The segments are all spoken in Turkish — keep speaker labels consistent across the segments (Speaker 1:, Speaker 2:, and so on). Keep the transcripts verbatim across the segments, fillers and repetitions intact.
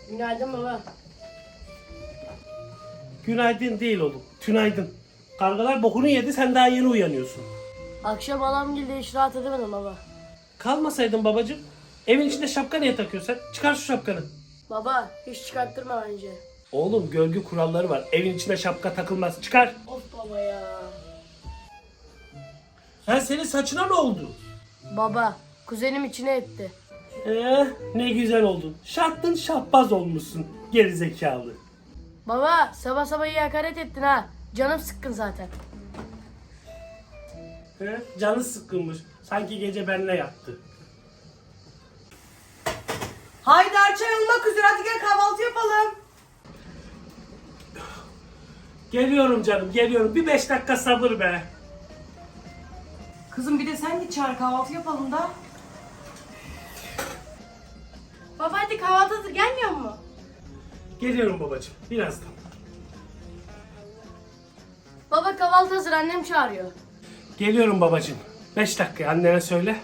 Speaker 1: Günaydın baba.
Speaker 2: Günaydın değil oğlum. Tünaydın. Kargalar bokunu yedi, sen daha yeni uyanıyorsun.
Speaker 1: Akşam halam geldi, hiç rahat edemedim baba.
Speaker 2: Kalmasaydın babacığım. Evin içinde şapka niye takıyorsun? Çıkar şu şapkanı.
Speaker 1: Baba hiç çıkarttırma bence.
Speaker 2: Oğlum görgü kuralları var. Evin içinde şapka takılmaz. Çıkar.
Speaker 1: Of baba ya.
Speaker 2: Ha, senin saçına ne oldu?
Speaker 1: Baba kuzenim içine etti.
Speaker 2: Eh, ne güzel oldun. Şahtın şahbaz olmuşsun. Gerizekalı.
Speaker 1: Baba sabah sabah iyi hakaret ettin ha. Canım sıkkın zaten.
Speaker 2: He, canı sıkkınmış. Sanki gece benle yattı.
Speaker 3: Haydar çay olmak üzere, hadi gel kahvaltı yapalım.
Speaker 2: Geliyorum canım, geliyorum. Bir beş dakika sabır be.
Speaker 3: Kızım bir de sen git çağır, kahvaltı yapalım da.
Speaker 1: Baba hadi kahvaltı hazır, gelmiyor mu?
Speaker 2: Geliyorum babacığım, birazdan.
Speaker 1: Baba kahvaltı hazır, annem çağırıyor.
Speaker 2: Geliyorum babacığım. Beş dakika annene söyle.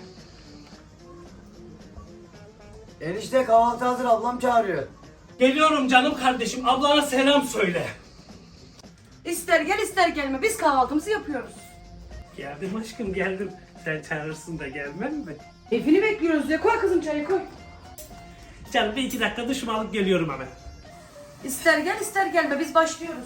Speaker 4: Enişte kahvaltı hazır, ablam çağırıyor.
Speaker 2: Geliyorum canım kardeşim. Ablana selam söyle.
Speaker 3: İster gel ister gelme, biz kahvaltımızı yapıyoruz.
Speaker 2: Geldim aşkım, geldim. Sen çağırırsın da gelmem mi?
Speaker 3: Keyfini bekliyoruz diye, koy kızım çayı koy.
Speaker 2: Canım bir iki dakika duşumu alıp geliyorum hemen.
Speaker 3: İster gel ister gelme, biz başlıyoruz.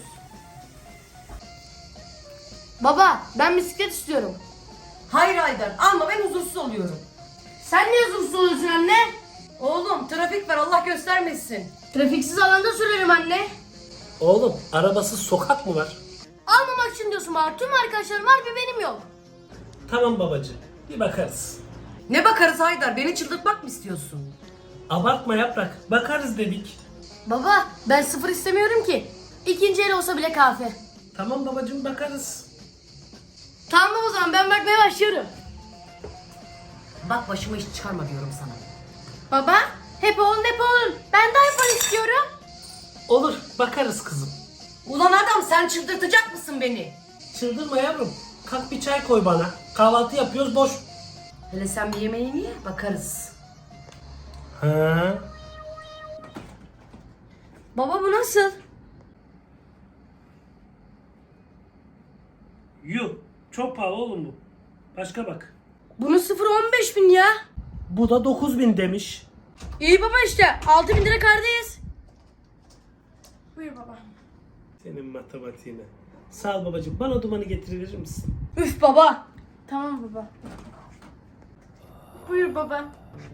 Speaker 1: Baba ben bisiklet istiyorum.
Speaker 3: Hayır Haydar, alma, ben huzursuz oluyorum.
Speaker 1: Sen niye huzursuz oluyorsun anne?
Speaker 3: Oğlum trafik var, Allah göstermesin.
Speaker 1: Trafiksiz alanda sürerim anne.
Speaker 2: Oğlum, arabasız sokak mı var?
Speaker 1: Almamak için diyorsun bana. Tüm arkadaşlarım var, bir benim yok.
Speaker 2: Tamam babacığım, bir bakarız.
Speaker 3: Ne bakarız Haydar, beni çıldırtmak mı istiyorsun?
Speaker 2: Abartma yaprak, bakarız dedik.
Speaker 1: Baba ben sıfır istemiyorum ki. İkinci el olsa bile kahve.
Speaker 2: Tamam babacığım, bakarız.
Speaker 1: Tamam o zaman ben bakmaya başlıyorum.
Speaker 3: Bak başıma iş çıkarma diyorum sana.
Speaker 1: Baba hep oğlun hep oğlun. Ben de iPhone istiyorum.
Speaker 2: Olur, bakarız kızım.
Speaker 3: Ulan adam, sen çıldırtacak mısın beni?
Speaker 2: Çıldırma yavrum. Kalk bir çay koy bana. Kahvaltı yapıyoruz, boş.
Speaker 3: Hele sen bir yemeğini ye, bakarız.
Speaker 2: Ha?
Speaker 1: Baba bu nasıl?
Speaker 2: Yuh, çok pahalı oğlum bu. Başka bak.
Speaker 1: Bunun sıfırı on beş bin ya.
Speaker 2: Bu da dokuz bin demiş.
Speaker 1: İyi baba işte altı bin lira kardayız. Buyur baba.
Speaker 2: Senin matematiğine. Sağ ol babacığım. Bana o dumanı getirebilir misin?
Speaker 1: Üf baba. Tamam baba. Buyur baba.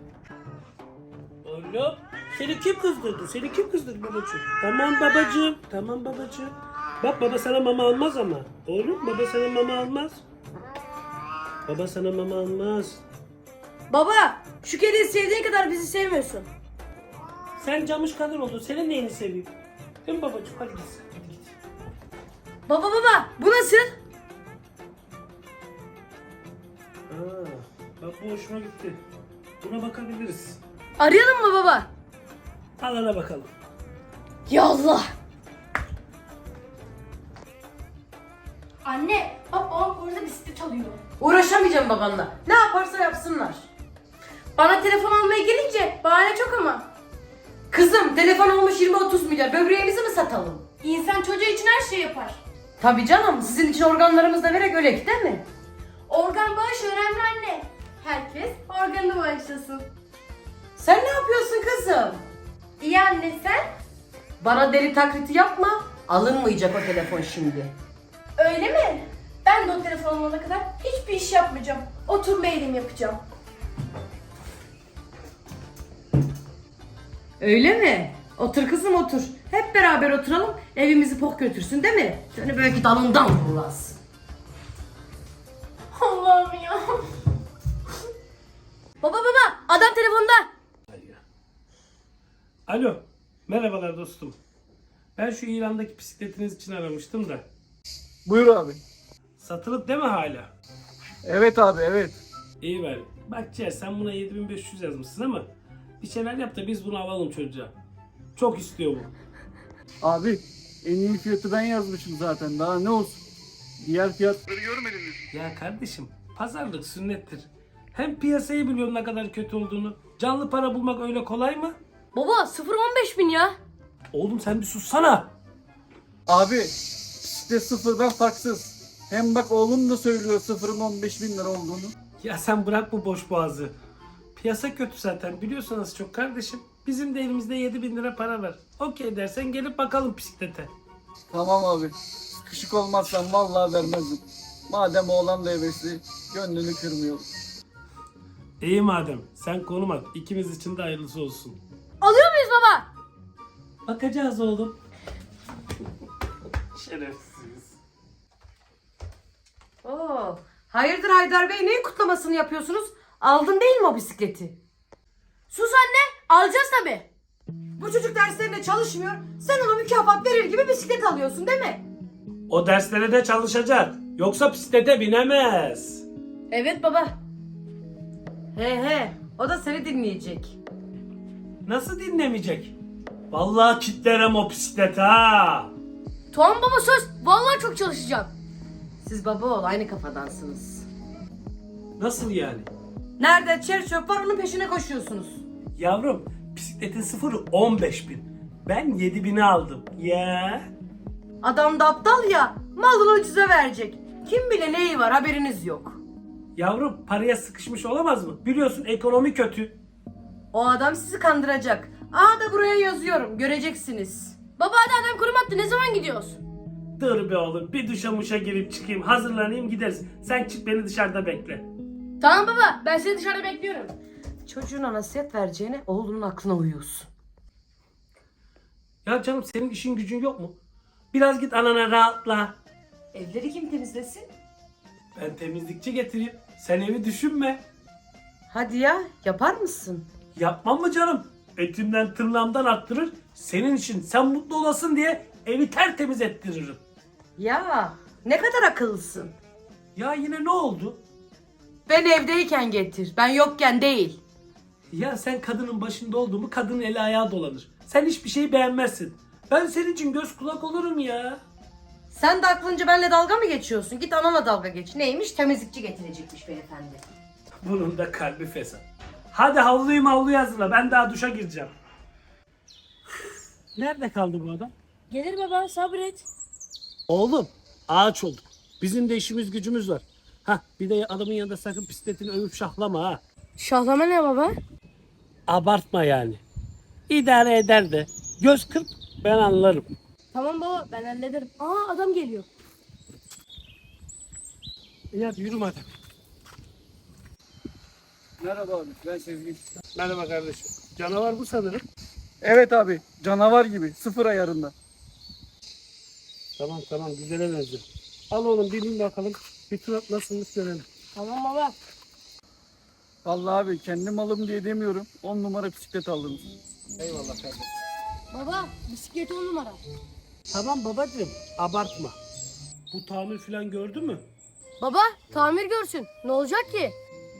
Speaker 2: Oğlum, seni kim kızdırdı? Seni kim kızdırdı babacığım? Tamam babacığım. Tamam babacığım. Bak baba sana mama almaz ama. Oğlum baba sana mama almaz. Baba sana mama almaz.
Speaker 1: Baba şu kediyi sevdiğin kadar bizi sevmiyorsun.
Speaker 2: Sen camış kadar oldun. Senin neyini seveyim? Değil mi babacığım? Hadi git. Hadi git.
Speaker 1: Baba baba bu nasıl?
Speaker 2: Aa, bak bu hoşuma gitti. Buna bakabiliriz.
Speaker 1: Arayalım mı baba?
Speaker 2: Alana bakalım.
Speaker 1: Yallah. Anne bak babam orada bisiklet alıyor.
Speaker 3: Uğraşamayacağım babanla. Ne yaparsa yapsınlar.
Speaker 1: Bana telefon almaya gelince bahane çok ama.
Speaker 3: Kızım telefon olmuş yirmi otuz milyar. Böbreğimizi mi satalım?
Speaker 1: İnsan çocuğu için her şey yapar.
Speaker 3: Tabii canım. Sizin için organlarımızı da vererek ölek değil mi?
Speaker 1: Organ bağışı önemli anne. Herkes organını bağışlasın.
Speaker 3: Sen ne yapıyorsun kızım?
Speaker 1: İyi anne sen?
Speaker 3: Bana deli taklidi yapma. Alınmayacak o telefon şimdi.
Speaker 1: Öyle mi? Ben de o telefon olana kadar hiçbir iş yapmayacağım. Oturma eğilim yapacağım.
Speaker 3: Öyle mi? Otur kızım otur. Hep beraber oturalım. Evimizi pok götürsün değil mi? Seni belki dalından vururlar.
Speaker 1: Allah'ım ya. Baba baba adam telefonda.
Speaker 2: Alo. Merhabalar dostum. Ben şu İran'daki bisikletiniz için aramıştım da.
Speaker 4: Buyur abi.
Speaker 2: Satılıp değil mi hala?
Speaker 4: Evet abi, evet.
Speaker 2: İyi ver. Bak Ciğer, sen buna yedi bin beş yüz yazmışsın ama bir şeyler yap da biz bunu alalım çocuğa. Çok istiyor bu.
Speaker 4: Abi en iyi fiyatı ben yazmışım zaten, daha ne olsun. Diğer fiyatları görmediniz.
Speaker 2: Ya kardeşim, pazarlık sünnettir. Hem piyasayı biliyorsun ne kadar kötü olduğunu. Canlı para bulmak öyle kolay mı?
Speaker 5: Baba sıfır on beş bin ya.
Speaker 2: Oğlum sen bir sussana.
Speaker 4: Abi bisiklet sıfırdan farksız. Hem bak oğlum da söylüyor sıfırın on beş bin lira olduğunu.
Speaker 2: Ya sen bırak bu boş boğazı. Piyasa kötü zaten biliyorsun az çok kardeşim. Bizim de elimizde yedi bin lira para var. Okey dersen gelip bakalım bisiklete.
Speaker 4: Tamam abi. Sıkışık olmazsan vallahi vermezdim. Madem oğlan da hevesli, gönlünü kırmıyorum.
Speaker 2: İyi madem sen konum at. İkimiz için de hayırlısı olsun.
Speaker 5: Alıyor muyuz baba?
Speaker 2: Bakacağız oğlum. Şerefsiz.
Speaker 3: Oo, hayırdır Haydar Bey, neyin kutlamasını yapıyorsunuz? Aldın değil mi o bisikleti?
Speaker 5: Sus anne, alacağız tabi.
Speaker 3: Bu çocuk derslerinde çalışmıyor. Sen ona mükafat verir gibi bisiklet alıyorsun değil mi?
Speaker 2: O derslere de çalışacak. Yoksa bisiklete binemez.
Speaker 5: Evet baba.
Speaker 3: He he, o da seni dinleyecek.
Speaker 2: Nasıl dinlemeyecek? Vallahi kitlerim o bisikleti ha.
Speaker 5: Tamam baba söz. Vallahi çok çalışacağım.
Speaker 3: Siz baba oğul aynı kafadansınız.
Speaker 2: Nasıl yani?
Speaker 3: Nerede çer çöp var onun peşine koşuyorsunuz.
Speaker 2: Yavrum bisikletin sıfırı on beş bin. Ben yedi bini aldım. Ya.
Speaker 3: Adam da aptal ya, malını ucuza verecek. Kim bile neyi var haberiniz yok.
Speaker 2: Yavrum paraya sıkışmış olamaz mı? Biliyorsun ekonomi kötü.
Speaker 3: O adam sizi kandıracak. Aa da buraya yazıyorum, göreceksiniz.
Speaker 5: Baba hadi adam kurum attı. Ne zaman gidiyoruz?
Speaker 2: Dur be oğlum bir duşa muşa girip çıkayım hazırlanayım gideriz. Sen çık beni dışarıda bekle.
Speaker 5: Tamam baba. Ben seni dışarıda bekliyorum.
Speaker 3: Çocuğuna nasihat vereceğine oğlunun aklına uyuyorsun.
Speaker 2: Ya canım senin işin gücün yok mu? Biraz git anana rahatla.
Speaker 3: Evleri kim temizlesin?
Speaker 2: Ben temizlikçi getireyim. Sen evi düşünme.
Speaker 3: Hadi ya, yapar mısın?
Speaker 2: Yapmam mı canım? Etimden tırnağımdan arttırır. Senin için sen mutlu olasın diye evi tertemiz ettiririm.
Speaker 3: Ya ne kadar akıllısın.
Speaker 2: Ya yine ne oldu?
Speaker 3: Ben evdeyken getir, ben yokken değil.
Speaker 2: Ya sen kadının başında olduğumu kadının eli ayağı dolanır. Sen hiçbir şeyi beğenmezsin. Ben senin için göz kulak olurum ya.
Speaker 3: Sen de aklınca benimle dalga mı geçiyorsun? Git anana dalga geç. Neymiş? Temizlikçi getirecekmiş beyefendi.
Speaker 2: Bunun da kalbi fesat. Hadi havluyu mavluyu hazırla. Ben daha duşa gireceğim. Nerede kaldı bu adam?
Speaker 5: Gelir baba sabret.
Speaker 2: Oğlum ağaç olduk. Bizim de işimiz gücümüz var. Hah bir de adamın yanında sakın bisikletini övüp şahlama ha.
Speaker 5: Şahlama ne baba?
Speaker 2: Abartma yani. İdare eder de. Göz kırp ben anlarım.
Speaker 5: Tamam baba ben hallederim. Aa adam geliyor.
Speaker 2: İyi hadi yürü madem.
Speaker 4: Merhaba abi, ben Sezgin.
Speaker 2: Merhaba kardeşim. Canavar bu sanırım.
Speaker 4: Evet abi, canavar gibi, sıfır ayarında.
Speaker 2: Tamam tamam güzele benziyor. Al oğlum bir bin bakalım. Bir tur at nasılmış görelim.
Speaker 5: Tamam baba.
Speaker 4: Vallahi abi kendim alım diye demiyorum. on numara bisiklet aldınız.
Speaker 2: Eyvallah kardeşim.
Speaker 5: Baba bisiklet on numara.
Speaker 2: Tamam babacığım abartma. Bu tamir falan gördü mü?
Speaker 5: Baba tamir görsün. Ne olacak ki?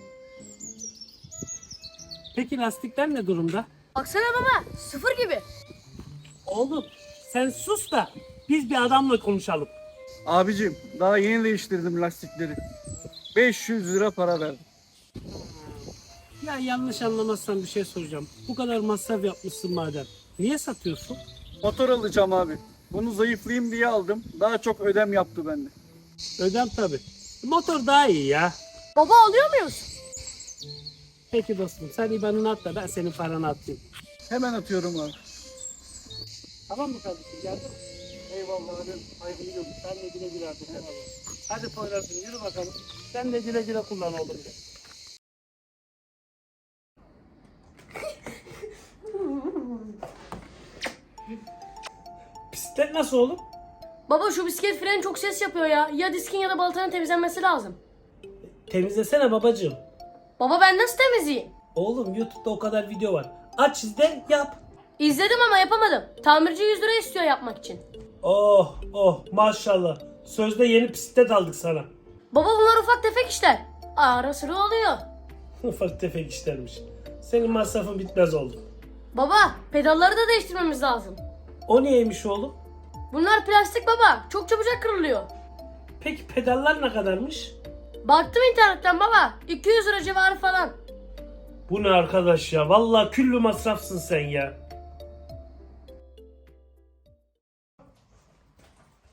Speaker 2: Peki lastikler ne durumda?
Speaker 5: Baksana baba sıfır gibi.
Speaker 2: Oğlum sen sus da biz bir adamla konuşalım.
Speaker 4: Abicim, daha yeni değiştirdim lastikleri. beş yüz lira para verdim.
Speaker 2: Ya yanlış anlamazsan bir şey soracağım. Bu kadar masraf yapmışsın madem. Niye satıyorsun?
Speaker 4: Motor alacağım abi. Bunu zayıflayayım diye aldım. Daha çok ödem yaptı bende.
Speaker 2: Ödem tabi. Motor daha iyi ya.
Speaker 5: Baba alıyor muyuz?
Speaker 2: Peki dostum sen İBAN'ını at da ben senin paranı atayım.
Speaker 4: Hemen atıyorum abi.
Speaker 2: Tamam mı kardeşim geldin?
Speaker 4: Eyvallah abi. Hayırlı yolculuk.
Speaker 2: Sen de güle güle artık. Hadi Poyraz'ım yürü bakalım. Sen de güle güle kullan oğlum. Bisiklet nasıl oğlum?
Speaker 5: Baba şu bisiklet freni çok ses yapıyor ya. Ya diskin ya da baltanın temizlenmesi lazım.
Speaker 2: Temizlesene babacığım.
Speaker 5: Baba ben nasıl temizleyeyim?
Speaker 2: Oğlum YouTube'da o kadar video var. Aç izle yap.
Speaker 5: İzledim ama yapamadım. Tamirci yüz lira istiyor yapmak için.
Speaker 2: Oh oh maşallah. Sözde yeni bisiklet aldık sana.
Speaker 5: Baba bunlar ufak tefek işler. Ara sıra oluyor.
Speaker 2: Ufak tefek işlermiş. Senin masrafın bitmez oldu.
Speaker 5: Baba pedalları da değiştirmemiz lazım.
Speaker 2: O neymiş oğlum?
Speaker 5: Bunlar plastik baba. Çok çabucak kırılıyor.
Speaker 2: Peki pedallar ne kadarmış?
Speaker 5: Baktım internetten baba. iki yüz lira civarı falan.
Speaker 2: Bu ne arkadaş ya? Vallahi küllü masrafsın sen ya.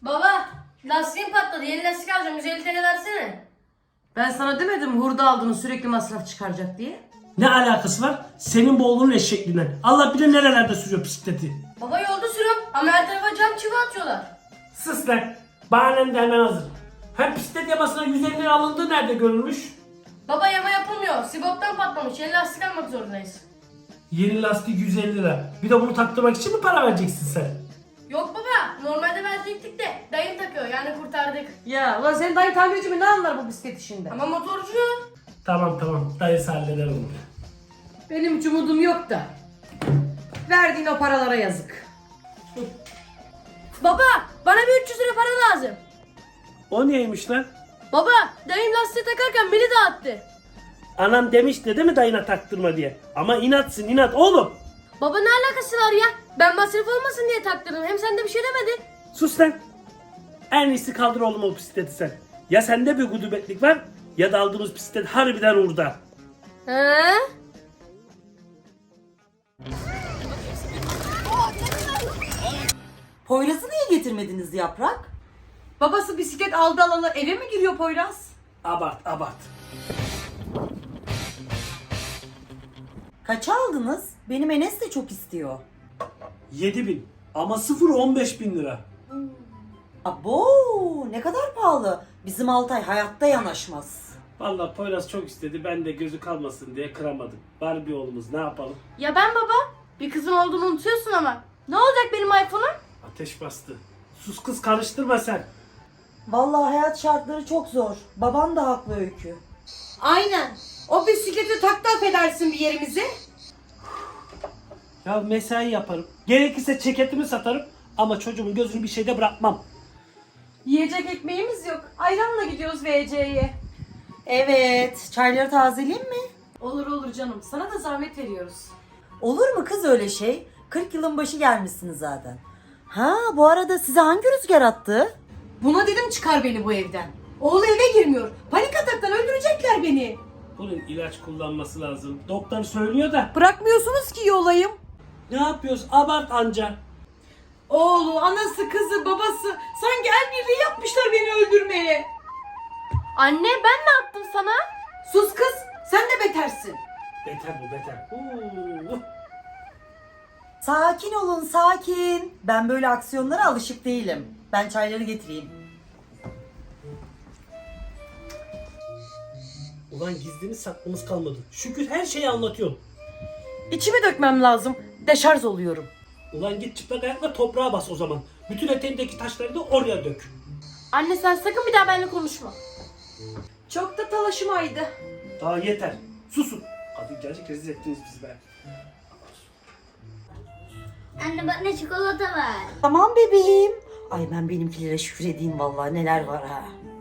Speaker 5: Baba lastiğim patladı. Yeni lastik alacağım. yüz elli T L versene.
Speaker 3: Ben sana demedim hurda aldığını sürekli masraf çıkaracak diye.
Speaker 2: Ne alakası var? Senin bu oğlunun eşekliğinden. Allah bilir nerelerde sürüyor bisikleti.
Speaker 5: Baba yolda sürüyorum ama her tarafa cam çivi atıyorlar.
Speaker 2: Sus lan. Bahanem de hemen hazır. Hem bisiklet yamasına yüz elli lira alındığı nerede görülmüş?
Speaker 5: Baba yama yapılmıyor. Siboptan patlamış. Yeni lastik almak zorundayız.
Speaker 2: Yeni lastik yüz elli lira. Bir de bunu taktırmak için mi para vereceksin sen?
Speaker 5: Yok baba. Normalde verecektik de dayım takıyor. Yani kurtardık.
Speaker 3: Ya ulan senin dayı tamirci mi, ne anlar bu bisiklet işinden?
Speaker 5: Ama motorcu.
Speaker 2: Tamam tamam. Dayısı halleder onu.
Speaker 3: Benim hiç umudum yok da. Verdiğin o paralara yazık.
Speaker 5: Baba bana bir üç yüz lira para lazım.
Speaker 2: O niyeymiş lan?
Speaker 5: Baba dayım lastiği takarken beni dağıttı.
Speaker 2: Anam demiş de değil mi dayına taktırma diye. Ama inatsın inat oğlum.
Speaker 5: Baba ne alakası var ya? Ben masraf olmasın diye taktırdım. Hem sen de bir şey demedin.
Speaker 2: Sus lan. En iyisi kaldır oğlum o bisikleti sen. Ya sende bir gudubetlik var ya da aldığımız bisiklet harbiden orada.
Speaker 5: He?
Speaker 6: Poyraz'ı niye getirmediniz Yaprak?
Speaker 3: Babası bisiklet aldı alalı eve mi giriyor Poyraz?
Speaker 2: Abart abart.
Speaker 6: Kaça aldınız? Benim Enes de çok istiyor.
Speaker 2: yedi bin ama sıfır on beş bin lira.
Speaker 6: Abo, ne kadar pahalı. Bizim Altay hayatta yanaşmaz.
Speaker 2: Vallahi Poyraz çok istedi ben de gözü kalmasın diye kıramadım. Barbie oğlumuz ne yapalım?
Speaker 5: Ya ben baba? Bir kızım olduğunu unutuyorsun ama. Ne olacak benim iPhone'um?
Speaker 2: Ateş bastı. Sus kız karıştırma sen.
Speaker 6: Vallahi hayat şartları çok zor. Baban da haklı Öykü.
Speaker 3: Aynen. O bisikleti tak da affedersin bir yerimize.
Speaker 2: Ya mesai yaparım. Gerekirse ceketimi satarım ama çocuğumun gözünü bir şeyde bırakmam.
Speaker 1: Yiyecek ekmeğimiz yok. Ayranla gidiyoruz V C'ye.
Speaker 6: Evet, çayları tazeleyeyim mi?
Speaker 3: Olur olur canım. Sana da zahmet veriyoruz.
Speaker 6: Olur mu kız öyle şey? kırk yılın başı gelmişsiniz zaten. Ha, bu arada size hangi rüzgar attı?
Speaker 3: Buna dedim çıkar beni bu evden. Oğlu eve girmiyor. Panik ataktan öldürecekler beni.
Speaker 2: Bunun ilaç kullanması lazım. Doktor söylüyor da.
Speaker 3: Bırakmıyorsunuz ki yolayım.
Speaker 2: Ne yapıyoruz? Abart anca.
Speaker 3: Oğlu, anası, kızı, babası sanki el birliği yapmışlar beni öldürmeye.
Speaker 5: Anne ben ne yaptım sana?
Speaker 3: Sus kız, sen de betersin.
Speaker 2: Beter bu beter. Oo.
Speaker 6: Sakin olun, sakin. Ben böyle aksiyonlara alışık değilim. Ben çayları getireyim.
Speaker 2: Ulan gizlimiz saklımız kalmadı. Şükür her şeyi anlatıyorum.
Speaker 3: İçimi dökmem lazım. Deşarj oluyorum.
Speaker 2: Ulan git çıplak ayakla toprağa bas o zaman. Bütün eteğindeki taşları da oraya dök.
Speaker 5: Anne sen sakın bir daha benimle konuşma.
Speaker 3: Çok da talaşımaydı.
Speaker 2: Daha yeter. Susun. Hadi gerçek rezil ettiniz bizi be.
Speaker 7: Anne bak ne çikolata var.
Speaker 6: Tamam bebeğim. Ay ben benimkilere şükredeyim vallahi neler var ha.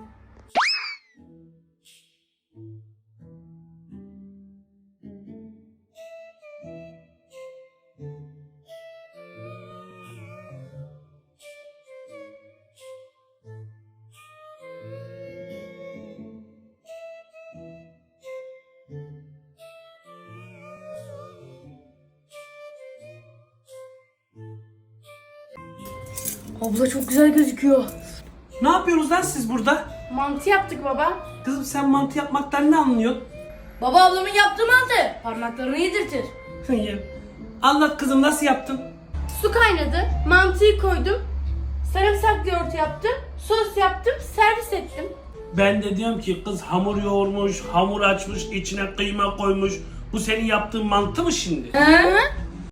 Speaker 5: Abla çok güzel gözüküyor.
Speaker 2: Ne yapıyorsunuz lan siz burada?
Speaker 5: Mantı yaptık baba.
Speaker 2: Kızım sen mantı yapmaktan ne anlıyorsun?
Speaker 5: Baba ablamın yaptığı mantı. Parmaklarını yedirtir.
Speaker 2: Anlat kızım nasıl yaptın?
Speaker 5: Su kaynadı. Mantıyı koydum. Sarımsaklı yoğurt yaptım. Sos yaptım. Servis ettim.
Speaker 2: Ben de diyorum ki kız hamur yoğurmuş, hamur açmış, içine kıyma koymuş. Bu senin yaptığın mantı mı şimdi?
Speaker 5: Hı?